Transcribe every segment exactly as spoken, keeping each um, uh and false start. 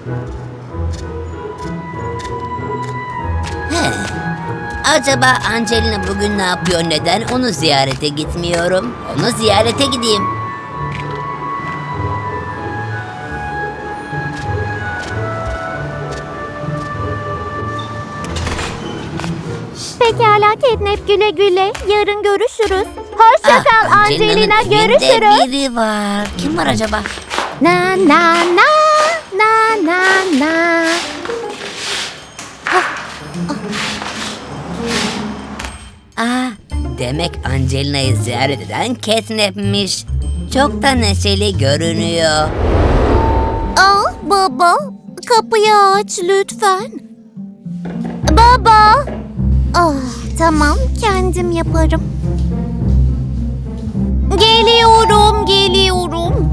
He. Acaba Angelina bugün ne yapıyor? Neden onu ziyarete gitmiyorum? Onu ziyarete gideyim. Pekala Catnap, güle güle. Yarın görüşürüz. Hoşça kal Ah, Angelina, Angelina'nın evinde görüşürüz. biri var. Kim var acaba? Na na na na na na. Aa, demek Angelina'yı ziyaret eden Catnap'miş. Çok da neşeli görünüyor. Aa, baba, kapıyı aç lütfen. Baba. Ah, tamam, kendim yaparım. Geliyorum, geliyorum.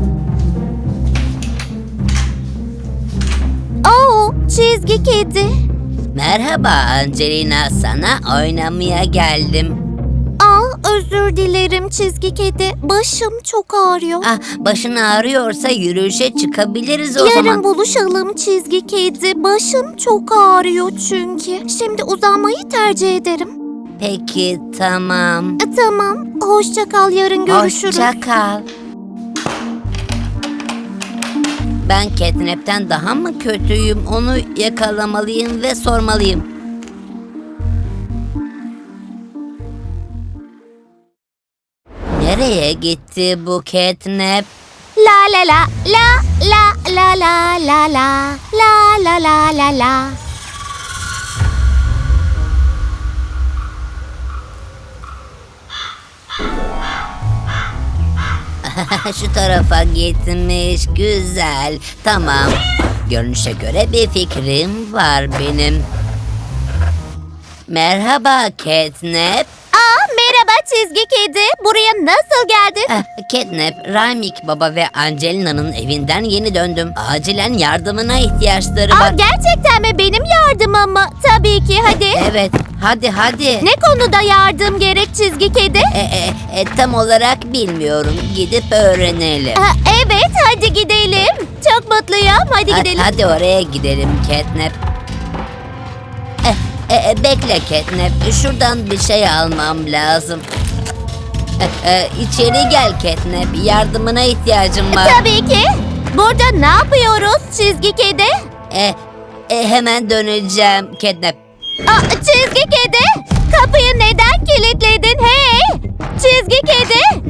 Oo, çizgi kedi. Merhaba Angelina, sana oynamaya geldim. Aa, özür dilerim çizgi kedi. Başım çok ağrıyor. Ah, başın ağrıyorsa yürüyüşe çıkabiliriz o Yarın zaman. buluşalım çizgi kedi. Başım çok ağrıyor çünkü. Şimdi uzanmayı tercih ederim. Peki, tamam. E, tamam. Hoşça kal. Yarın görüşürüz. Hoşça kal. Ben Catnap'ten daha mı kötüyüm? Onu yakalamalıyım ve sormalıyım. Nereye gitti bu Catnap? La la la la la la la la la la la la la la. Şu tarafa gitmiş. Güzel. Tamam. Görünüşe göre bir fikrim var benim. Merhaba Catnap. Aa, merhaba çizgi kedi. Buraya nasıl geldin? Ah, Catnap, Raymik Baba ve Angelina'nın evinden yeni döndüm. Acilen yardımına ihtiyaçları Aa, var. gerçekten mi? Benim yardımım mı? Tabii ki, hadi. Evet, hadi hadi. Ne konuda yardım gerek çizgi kedi? E, e, e, tam olarak bilmiyorum. Gidip öğrenelim. Aa, evet, hadi gidelim. Çok mutluyum. Hadi Ha- gidelim. Hadi oraya gidelim Catnap. E, e, e, bekle Catnap. Şuradan bir şey almam lazım. E, e, içeri gel Catnap. Yardımına ihtiyacım var. Tabii ki. Burada ne yapıyoruz çizgi kedi? E, e, hemen döneceğim Catnap. Aa, çizgi kedi, kapıyı neden kilitledin hey? Çizgi kedi.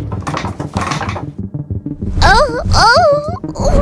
Oh, oh, oh.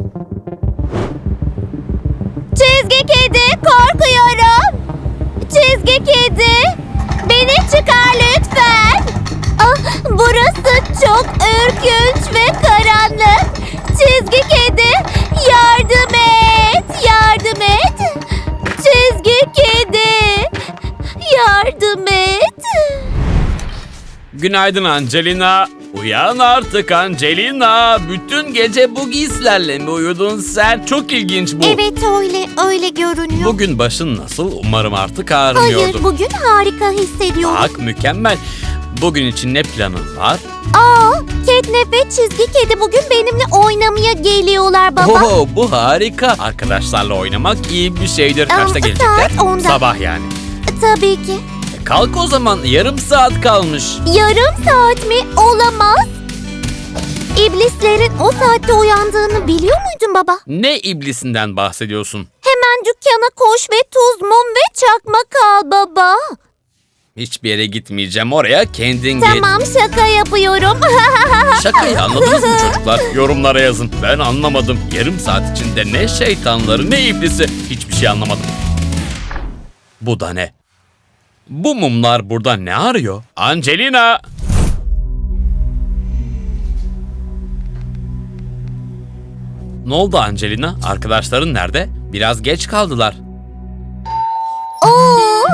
Çizgi kedi, korkuyorum. Çizgi kedi, beni çıkar lütfen. Ah, burası çok ürkünç ve karanlık. Çizgi kedi, yardım et, yardım et. Çizgi kedi, yardım et. Günaydın Angelina. Uyan artık Angelina. Bütün gece bu giysilerle mi uyudun sen? Çok ilginç bu. Evet öyle, öyle görünüyor. Bugün başın nasıl? Umarım artık ağrımıyordur. Hayır, bugün harika hissediyorum. Bak mükemmel. Bugün için ne planın var? Aa, Catnap ve çizgi kedi bugün benimle oynamaya geliyorlar baba. Oo, bu harika. Arkadaşlarla oynamak iyi bir şeydir. Aa, Kaçta gelecekler? saat onda. Sabah yani. Tabii ki. Kalk o zaman. Yarım saat kalmış. Yarım saat mi? Olamaz. İblislerin o saatte uyandığını biliyor muydun baba? Ne iblisinden bahsediyorsun? Hemen dükkana koş ve tuz, mum ve çakmak al baba. Hiçbir yere gitmeyeceğim. Oraya kendin git. Tamam, şaka yapıyorum. Şakayı anladınız mı çocuklar? Yorumlara yazın. Ben anlamadım. Yarım saat içinde ne şeytanları ne iblisi. Hiçbir şey anlamadım. Bu da ne? Bu mumlar burada ne arıyor? Angelina! Ne oldu Angelina? Arkadaşların nerede? Biraz geç kaldılar. Oo,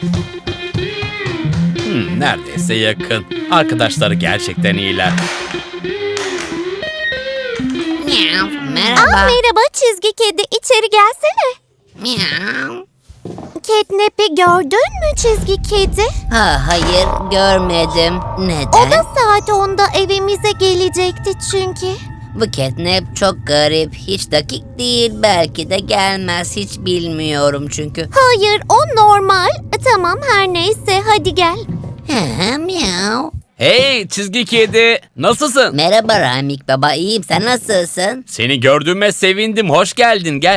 Hmm, neredeyse yakın. Arkadaşları gerçekten iyiler. Miau, aa, merhaba. merhaba çizgi kedi, içeri gelsene. Miau. Catnap'i gördün mü çizgi kedi? Ha, hayır görmedim. O Neden? da saat onda evimize gelecekti çünkü. Bu Catnap çok garip. Hiç dakik değil. Belki de gelmez. Hiç bilmiyorum çünkü. Hayır, o normal. E, Tamam, her neyse, hadi gel. Hı, miau. Hey çizgi kedi, nasılsın? Merhaba Ramik baba, iyiyim. Sen nasılsın? Seni gördüğüme sevindim, hoş geldin, gel.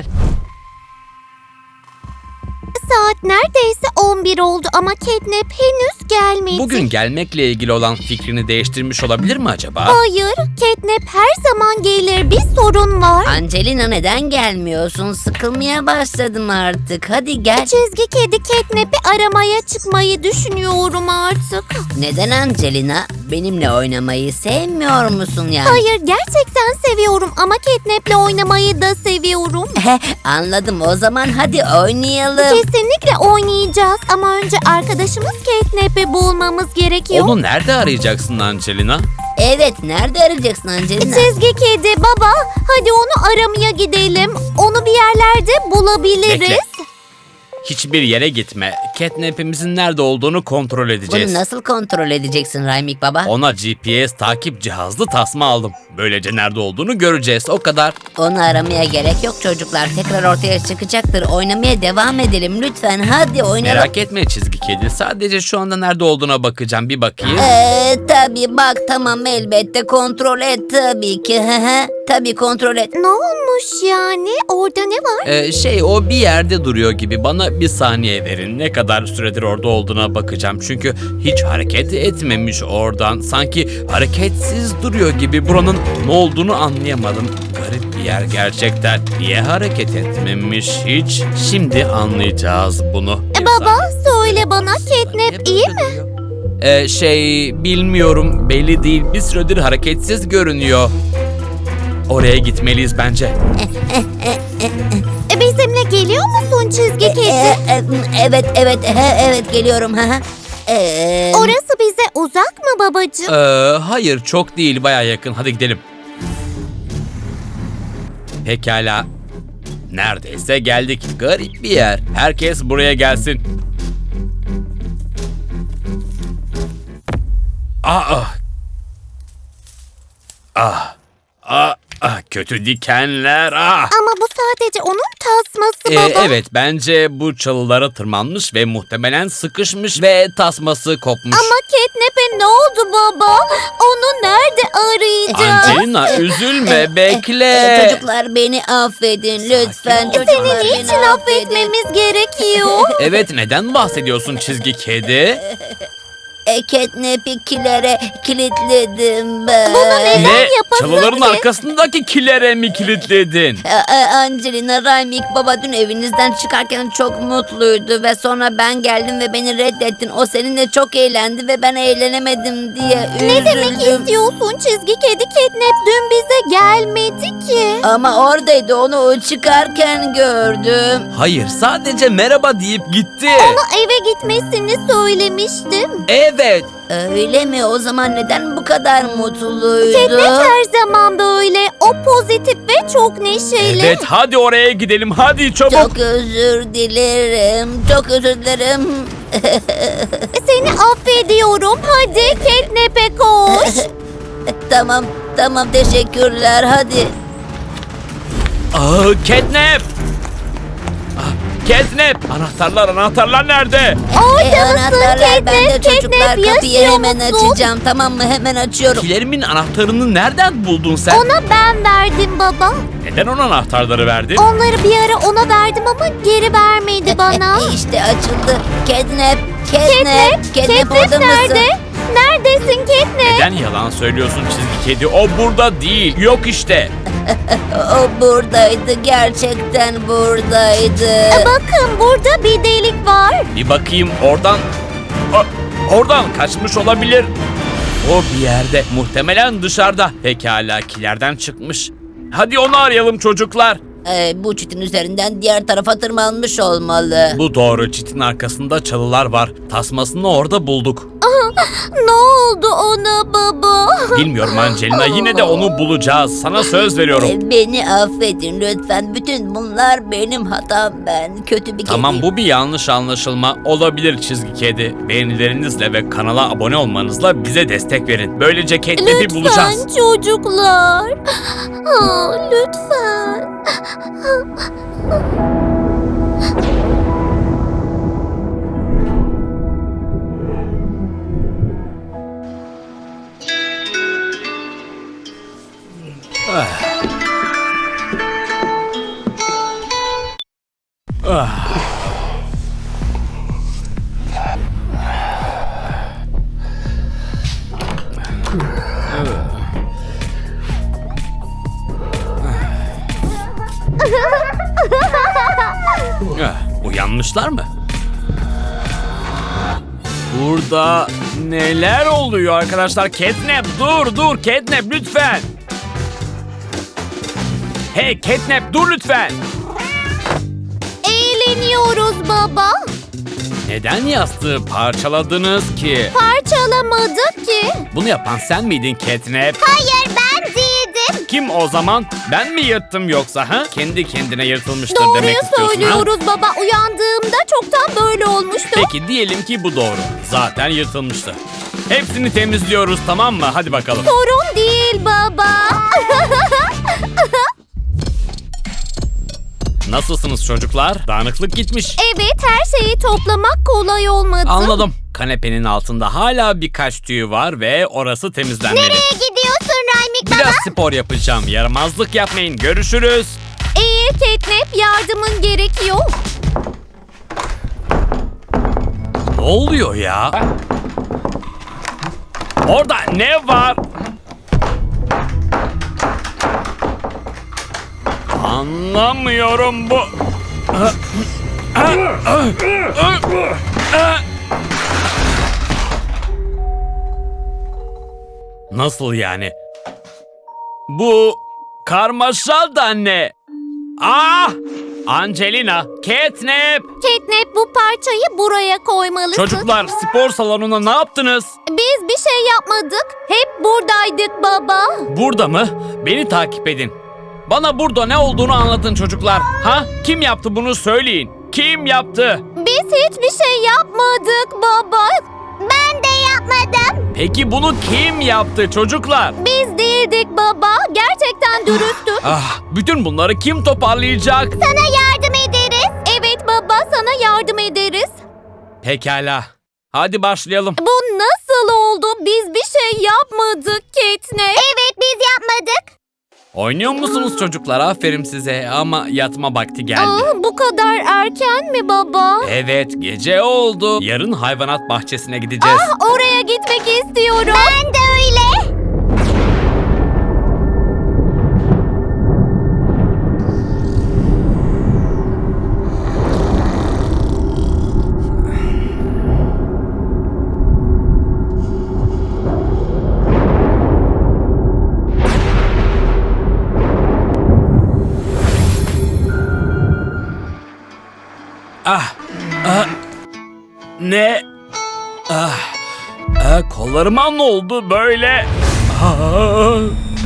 Saat neredeyse on bir oldu ama Catnap henüz gelmedi. Bugün gelmekle ilgili olan fikrini değiştirmiş olabilir mi acaba? Hayır, Catnap her zaman gelir. Bir sorun var. Angelina neden gelmiyorsun? Sıkılmaya başladım artık. Hadi gel. Çizgi kedi Catnap'i aramaya çıkmayı düşünüyorum artık. Neden Angelina? Benimle oynamayı sevmiyor musun yani? Hayır, gerçekten seviyorum ama Catnap'le oynamayı da seviyorum. Anladım, o zaman hadi oynayalım. Kesinlikle oynayacağız ama önce arkadaşımız Catnap'i bulmamız gerekiyor. Onu nerede arayacaksın Angelina? Evet, nerede arayacaksın Angelina? Çizgi kedi baba, hadi onu aramaya gidelim. Onu bir yerlerde bulabiliriz. Bekle. Hiçbir yere gitme. Catnap'imizin nerede olduğunu kontrol edeceğiz. Bunu nasıl kontrol edeceksin Raymik baba? Ona G P S takip cihazlı tasma aldım. Böylece nerede olduğunu göreceğiz, o kadar. Onu aramaya gerek yok çocuklar. Tekrar ortaya çıkacaktır. Oynamaya devam edelim lütfen. Hadi oynayalım. Merak etme çizgi kedi. Sadece şu anda nerede olduğuna bakacağım. Bir bakayım. Ee, tabii bak, tamam, elbette kontrol et tabii ki. Hı hı. Tabii kontrol et. Ne olmuş yani? Orada ne var? Ee, şey o bir yerde duruyor gibi. Bana bir saniye verin. Ne kadar süredir orada olduğuna bakacağım. Çünkü hiç hareket etmemiş oradan. Sanki hareketsiz duruyor gibi. Buranın ne olduğunu anlayamadım. Garip bir yer gerçekten. Niye hareket etmemiş hiç? Şimdi anlayacağız bunu. E, Bir baba, saniye. söyle bana, Catnap iyi mi? Ee, şey bilmiyorum, belli değil. Bir süredir hareketsiz görünüyor. Oraya gitmeliyiz bence. E, bizimle geliyor musun çizgi kedi? Ee, e, evet, evet, he, evet geliyorum. Hı hı. Ee, Orası bize uzak mı babacığım? Ee, hayır çok değil, baya yakın. Hadi gidelim. Pekala. Neredeyse geldik. Garip bir yer. Herkes buraya gelsin. Ah. Ah. Ah. Ah. Kötü dikenler. Ah. Ama bu sadece onun tasması Ee, baba. evet, bence bu çalılara tırmanmış ve muhtemelen sıkışmış ve tasması kopmuş. Ama Catnap'e ne oldu baba? Onu nerede arayacağız? Angelina üzülme, bekle. e, çocuklar beni affedin lütfen. ol. Çocuklar Seni beni niçin affetmemiz gerekiyor? Evet, neden bahsediyorsun çizgi kedi? E, Catnap'i kilere kilitledim ben. Bunu neden Ne? yapasın Çalıların ki? arkasındaki kilere mi kilitledin? E, e, Angelina, Raymik baba dün evinizden çıkarken çok mutluydu ve sonra ben geldim ve beni reddettin. O seninle çok eğlendi ve ben eğlenemedim diye üzüldüm. Ne demek istiyorsun çizgi kedi? Catnap dün bize gelmedi ki. Ama oradaydı, onu o çıkarken gördüm. Hayır, sadece merhaba deyip gitti. Ona eve gitmesini söylemiştim. Evet. Öyle mi? O zaman neden bu kadar mutluydu? Catnap her zaman böyle. O pozitif ve çok neşeli. Evet, hadi oraya gidelim. Hadi çabuk. Çok özür dilerim. Çok özür dilerim. Seni affediyorum. Hadi Catnap'e koş. Tamam, tamam, teşekkürler. Hadi. Aa, Catnap. Ah, Catnap. Anahtarlar, anahtarlar nerede? Orada E, mısın anahtarlar bende Catnap? çocuklar. Catnap Kapıyı yaşıyor hemen musun? açacağım. Tamam mı? Hemen açıyorum. Kilerimin anahtarını nereden buldun sen? Ona ben verdim baba. Neden ona anahtarları verdin? Onları bir ara ona verdim ama geri vermedi bana. İşte açıldı. Catnap, Catnap, Catnap, orada Catnap mısın? nerede? Neredesin Catnap? Neden yalan söylüyorsun çizgi kedi? O burada değil. Yok işte. O buradaydı. Gerçekten buradaydı. Bakın burada bir delik var. Bir bakayım oradan. O- oradan kaçmış olabilir. O bir yerde. Muhtemelen dışarıda. Pekala, kilerden çıkmış. Hadi onu arayalım çocuklar. Ee, bu çitin üzerinden diğer tarafa tırmanmış olmalı. Bu doğru, çitin arkasında çalılar var. Tasmasını orada bulduk. Ne oldu ona baba? Bilmiyorum Angelina, yine de onu bulacağız. Sana söz veriyorum. Ee, Beni affedin lütfen. Bütün bunlar benim hatam. Ben kötü bir Tamam, kediyim. bu bir yanlış anlaşılma olabilir çizgi kedi. Beğenilerinizle ve kanala abone olmanızla bize destek verin. Böylece Catnap'i bulacağız. Lütfen çocuklar. Aa, lütfen. Ah, uyanmışlar mı? Burada neler oluyor arkadaşlar? Catnap, dur dur Catnap lütfen. Hey Catnap, dur lütfen. Eğleniyoruz baba. Neden yastığı parçaladınız ki? Parçalamadık ki. Bunu yapan sen miydin Catnap? Hayır, ben değildim. Kim o zaman? Ben mi yırttım yoksa ha? Kendi kendine yırtılmıştır Doğruyu demek istiyorsun ha? söylüyoruz baba. Uyandığımda çoktan böyle olmuştu. Peki diyelim ki bu doğru. Zaten yırtılmıştı. Hepsini temizliyoruz, tamam mı? Hadi bakalım. Sorun değil baba. Nasılsınız çocuklar? Dağınıklık gitmiş. Evet, her şeyi toplamak kolay olmadı. Anladım. Kanepenin altında hala birkaç tüy var ve orası temizlenmeli. Nereye gidiyorsun Raymik baba? Biraz spor yapacağım. Yaramazlık yapmayın. Görüşürüz. Eğer Catnap yardımın gerekiyor. Ne oluyor ya? Orada ne var? Anlamıyorum bu. Nasıl yani? Bu karmaşa da ne? Ah! Angelina, Catnap! Catnap, bu parçayı buraya koymalısın. Çocuklar, spor salonuna ne yaptınız? Biz bir şey yapmadık. Hep buradaydık baba. Burada mı? Beni takip edin. Bana burada ne olduğunu anlatın çocuklar. Ha? Kim yaptı bunu söyleyin. Kim yaptı? Biz hiçbir şey yapmadık baba. Ben de yapmadım. Peki bunu kim yaptı çocuklar? Biz değildik baba. Gerçekten dürüsttük. Ah, bütün bunları kim toparlayacak? Sana yardım ederiz. Evet baba, sana yardım ederiz. Pekala. Hadi başlayalım. Bu nasıl oldu? Biz bir şey yapmadık Catnap. Evet, biz yapmadık. Oynuyor musunuz çocuklar? Aferin size ama yatma vakti geldi. Aa, bu kadar erken mi baba? Evet, gece oldu. Yarın hayvanat bahçesine gideceğiz. Oraya gitmek istiyorum. Ben de öyle. Ah, ah, ne? Ah, ah, kollarıma ne oldu böyle? Ah.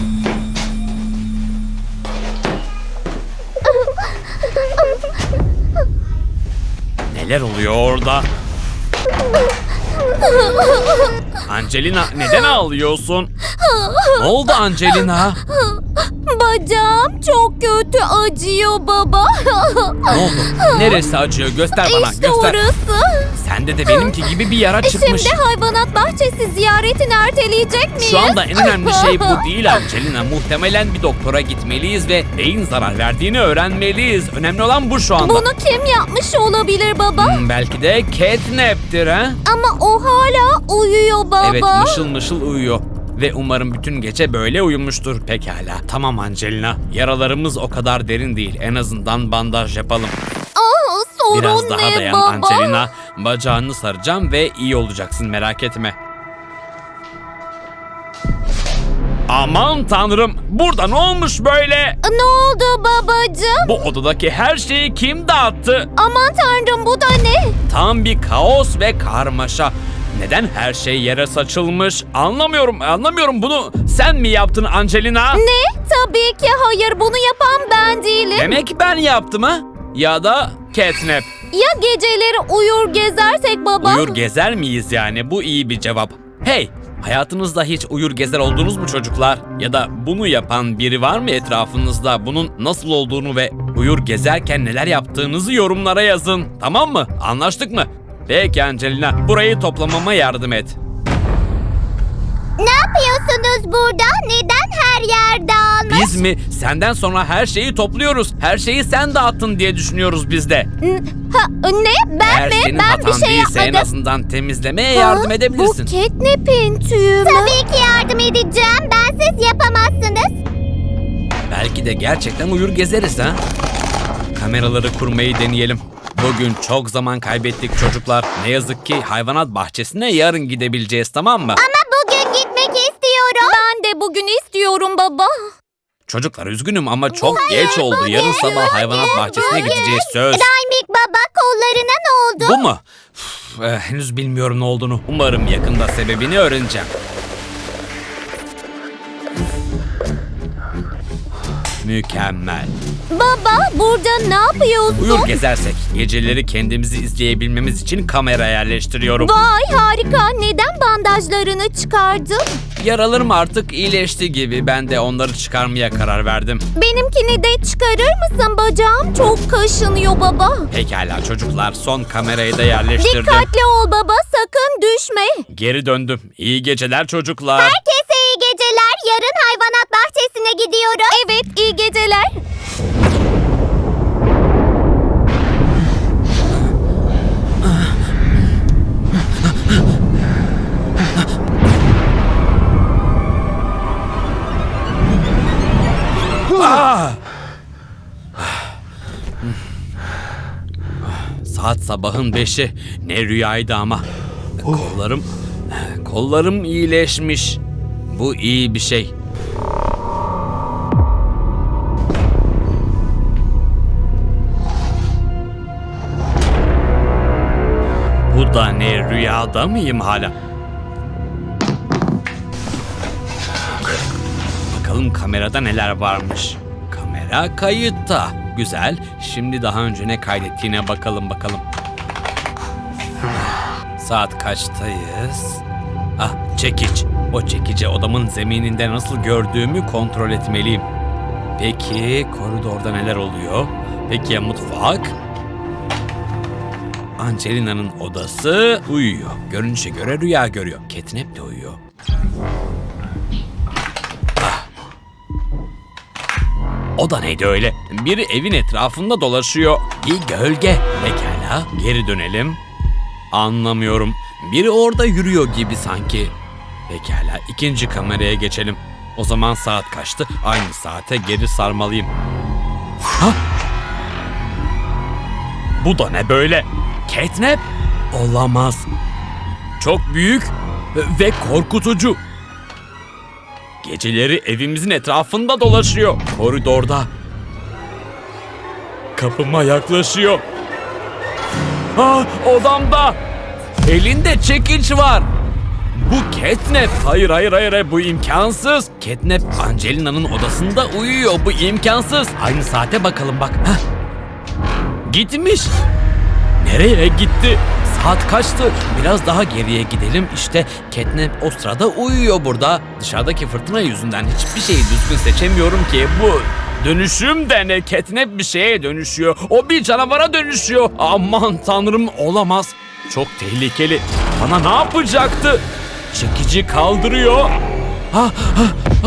Neler oluyor orada? Angelina, neden ağlıyorsun? Ne oldu Angelina? Bacağım çok kötü acıyor baba. Ne oldu? Neresi acıyor? Göster bana, İşte göster. orası. Sende de benimki gibi bir yara çıkmış. Şimdi hayvanat bahçesi ziyaretini erteleyecek miyiz? Şu anda en önemli şey bu değil Angelina. Muhtemelen bir doktora gitmeliyiz ve neyin zarar verdiğini öğrenmeliyiz. Önemli olan bu şu anda. Bunu kim yapmış olabilir baba? Hmm, belki de Catnap'tir ha? Ama o hala uyuyor baba. Evet, mışıl mışıl uyuyor. Ve umarım bütün gece böyle uyumuştur. Pekala. Tamam Angelina. Yaralarımız o kadar derin değil. En azından bandaj yapalım. Ah, sorun Biraz daha ne dayan baba? Angelina. Bacağını saracağım ve iyi olacaksın, merak etme. Aman tanrım. Burada ne olmuş böyle? Ne oldu babacığım? Bu odadaki her şeyi kim dağıttı? Aman tanrım, bu da ne? Tam bir kaos ve karmaşa. Neden her şey yere saçılmış? Anlamıyorum, anlamıyorum. Bunu sen mi yaptın Angelina? Ne? Tabii ki hayır, bunu yapan ben değilim. Demek ben yaptım ha? Ya da Catnap. Ya geceleri uyur gezersek baba? Uyur gezer miyiz yani? Bu iyi bir cevap. Hey! Hayatınızda hiç uyur gezer oldunuz mu çocuklar? Ya da bunu yapan biri var mı etrafınızda? Bunun nasıl olduğunu ve uyur gezerken neler yaptığınızı yorumlara yazın. Tamam mı? Anlaştık mı? Peki Angelina, burayı toplamama yardım et. Ne yapıyorsunuz burada? Neden her yer dağılmış? Biz mi? Senden sonra her şeyi topluyoruz. Her şeyi sen dağıttın diye düşünüyoruz biz de. Ha, ne? Ben Eğer mi? senin Ben hatan bir şey değilse en yapmadım. azından temizlemeye yardım edebilirsin. Bu Catnap'in tüyü mü? Tabii ki yardım edeceğim. Bensiz yapamazsınız. Belki de gerçekten uyur gezeriz ha. Kameraları kurmayı deneyelim. Bugün çok zaman kaybettik çocuklar. Ne yazık ki hayvanat bahçesine yarın gidebileceğiz, tamam mı? Ama bugün gitmek istiyorum. Ben de bugün istiyorum baba. Çocuklar üzgünüm ama çok geç oldu. Yarın sabah hayvanat bahçesine gideceğiz söz. Daimik baba, kollarına ne oldu? Bu mu? Üf, eh, henüz bilmiyorum ne olduğunu. Umarım yakında sebebini öğreneceğim. Mükemmel. Baba, burada ne yapıyorsun? Uyur gezersek geceleri kendimizi izleyebilmemiz için kamera yerleştiriyorum. Vay harika. Neden bandajlarını çıkardın? Yaralarım artık iyileşti gibi. Ben de onları çıkarmaya karar verdim. Benimkini de çıkarır mısın? Bacağım çok kaşınıyor baba. Pekala çocuklar, son kamerayı da yerleştirdim. Dikkatli ol baba, sakın düşme. Geri döndüm. İyi geceler çocuklar. Herkese iyi geceler. Yarın hayvanat bahçesine gidiyoruz. Evet, iyi geceler. Ah! Saat sabahın beşi. Ne rüyaydı ama. Kollarım, kollarım iyileşmiş. Bu iyi bir şey. Bu da ne, rüyada mıyım hala? Bakalım kamerada neler varmış. Kamera kayıtta. Güzel. Şimdi daha önce ne kaydettiğine bakalım bakalım. Saat kaçtayız? Ah, çekiç. O çekici odamın zemininde nasıl gördüğümü kontrol etmeliyim. Peki koridorda neler oluyor? Peki ya mutfak? Angelina'nın odası uyuyor. Görünüşe göre rüya görüyor. Catnap de uyuyor. O da neydi öyle? Biri evin etrafında dolaşıyor. Bir gölge. Pekala, geri dönelim. Anlamıyorum. Biri orada yürüyor gibi sanki. Pekala, ikinci kameraya geçelim. O zaman saat kaçtı? Aynı saate geri sarmalıyım. Ha? Bu da ne böyle? Catnap? Olamaz. Çok büyük ve korkutucu. Geceleri evimizin etrafında dolaşıyor. Koridorda. Kapıma yaklaşıyor. Ah, odamda. Elinde çekiç var. Bu Catnap. Hayır hayır hayır hayır, bu imkansız. Catnap Angelina'nın odasında uyuyor. Bu imkansız. Aynı saate bakalım bak. Heh. Gitmiş. Nereye gitti? Saat kaçtı? Biraz daha geriye gidelim. İşte Catnap o sırada uyuyor burada. Dışarıdaki fırtına yüzünden hiçbir şeyi düzgün seçemiyorum ki. Bu dönüşüm de ne? Catnap bir şeye dönüşüyor. O bir canavara dönüşüyor. Aman tanrım, olamaz. Çok tehlikeli. Bana ne yapacaktı? Çekici kaldırıyor. Ha, ha, ha.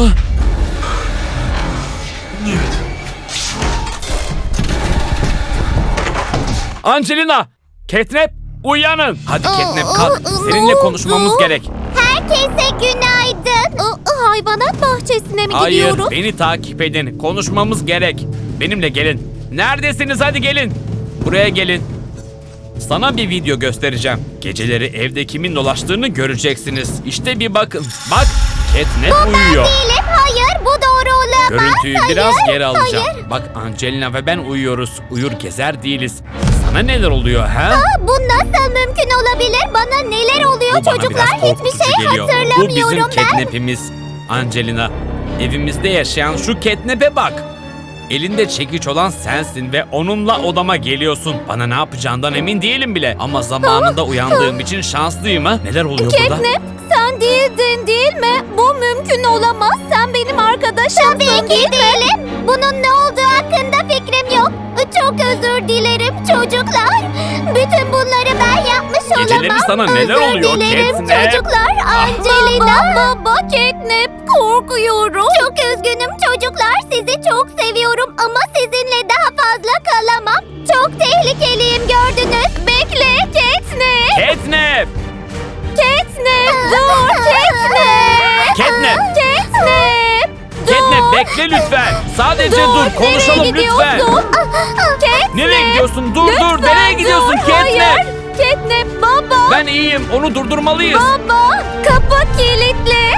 Angelina! Catnap! Uyanın! Hadi Catnap kalk. Seninle konuşmamız gerek. Herkese günaydın. Hayvanat bahçesine mi Hayır, gidiyoruz? beni takip edin. Konuşmamız gerek. Benimle gelin. Neredesiniz? Hadi gelin. Buraya gelin. Sana bir video göstereceğim. Geceleri evde kimin dolaştığını göreceksiniz. İşte bir bakın. Bak, Catnap uyuyor. Değilim. Hayır, bu doğru olamaz. Görüntüyü Hayır, biraz geri alacağım. hayır. Bak Angelina ve ben uyuyoruz. Uyur gezer değiliz. Sana neler oluyor ha? Aa, bu nasıl mümkün olabilir? Bana neler oluyor Bu bana çocuklar? biraz Hiçbir korkutucu şey geliyor. Bu hatırlamıyorum bizim ben. catnap'imiz. Angelina, evimizde yaşayan şu catnap'e bak. Elinde çekiç olan sensin ve onunla odama geliyorsun. Bana ne yapacağından emin değilim bile. Ama zamanında uyandığım için şanslıyım ha. Neler oluyor burada? Catnap, sen değildin değil mi? Bu mümkün olamaz. Sen benim arkadaşımsın değil, değil mi? Değilim. Bunun ne olduğu hakkında fikrim yok. Çok özür dilerim çocuklar. Bütün bunları ben yapmış olamam. Geceleri sana neler özür oluyor dilerim Catnap? çocuklar. Angelina. Baba, baba Catnap, korkuyorum. Çok üzgünüm çocuklar. Sizi çok seviyorum ama sizinle daha fazla kalamam. Çok tehlikeliyim, gördünüz. Bekle Catnap. Catnap! Catnap, dur Catnap. Catnap! Catnap. Catnap bekle lütfen. Sadece dur, konuşalım nereye lütfen. gidiyorsun? Catnap. Nereye gidiyorsun? Dur dur. Lütfen Nereye gidiyorsun dur. Catnap? Hayır. Catnap baba. Ben iyiyim. Onu durdurmalıyız. Baba, kapı kilitli.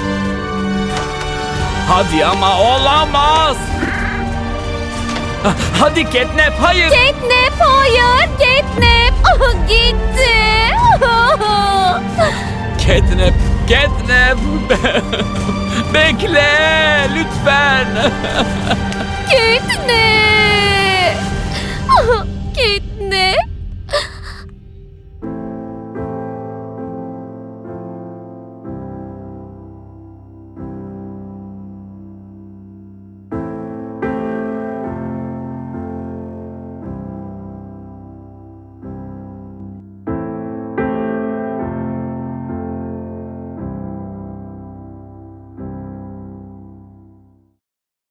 Hadi ama olamaz. Ha- Hadi Catnap, hayır. Catnap, hayır. Catnap. Ah, gitti. Catnap, Catnap. Bekle lütfen. Catnap.